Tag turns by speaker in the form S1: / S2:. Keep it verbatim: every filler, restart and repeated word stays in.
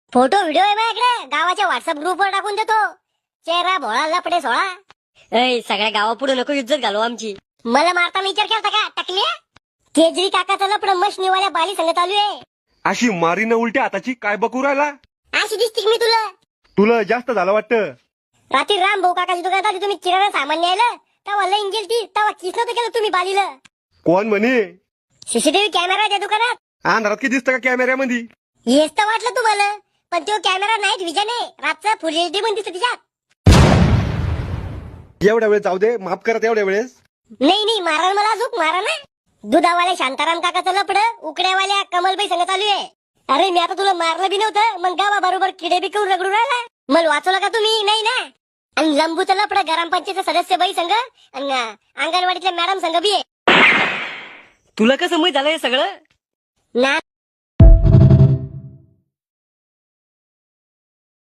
S1: Photo video आहे माझ्याकडे, गावाच्या व्हॉट्सअप ग्रुपवर टाकून देतो. चेहरा भोळा लपडे सोळा.
S2: ऐ सगळ्या गावापुढे नको इज्जत घालू आमची.
S1: मला मारताना विचार केलता का टाकले? केजरी काकाचं लपड मशनीवाल्या बाली संग चालू आहे.
S3: अशी मारीनं उलट्या हाताची काय बकू राहिला?
S1: अशी दिसती मी तुला.
S3: तुला जास्त झालं वाटतं.
S1: रात्री राम भाऊ काकाच्या दुकानात आली तुम्ही किराणा सामान न्यायला, तेव्हा लाईन गेलती, तेव्हा किस नव्हतं केलं तुम्ही बालीला.
S3: कोण म्हणे?
S1: सीसीटीव्ही कॅमेरा त्या दुकानात.
S3: अंधारात किती दिसतं का कॅमेऱ्यामध्ये?
S1: हेच तर वाटलं तुम्हाला, पण तो कॅमेरा नाईट विजन आहे. रातचा फुल एच डी पण दिसत तिच्यात.
S3: एवढ्या वेळेस जाऊ दे, माफ करत एवढ्या वेळेस.
S1: नाही नाही, मारा मला अजून मारा ना. दुधावाल्या शांताराम काकाचं लपड उकड्यावाल्या कमलबाई संग चालू आहे. अरे मी आता तुला मारलं बी नव्हतं, मग गावा बरोबर किडे बी करून रगडू राहिला. मला वाचवलं का तुम्ही? नाही ना. आणि लंबूचं लपड ग्रामपंचायत सदस्य बाई संघ आणि अंगणवाडीतल्या मॅडम संघ बी आहे.
S2: तुला कसं माहित झालं हे सगळं?
S1: ना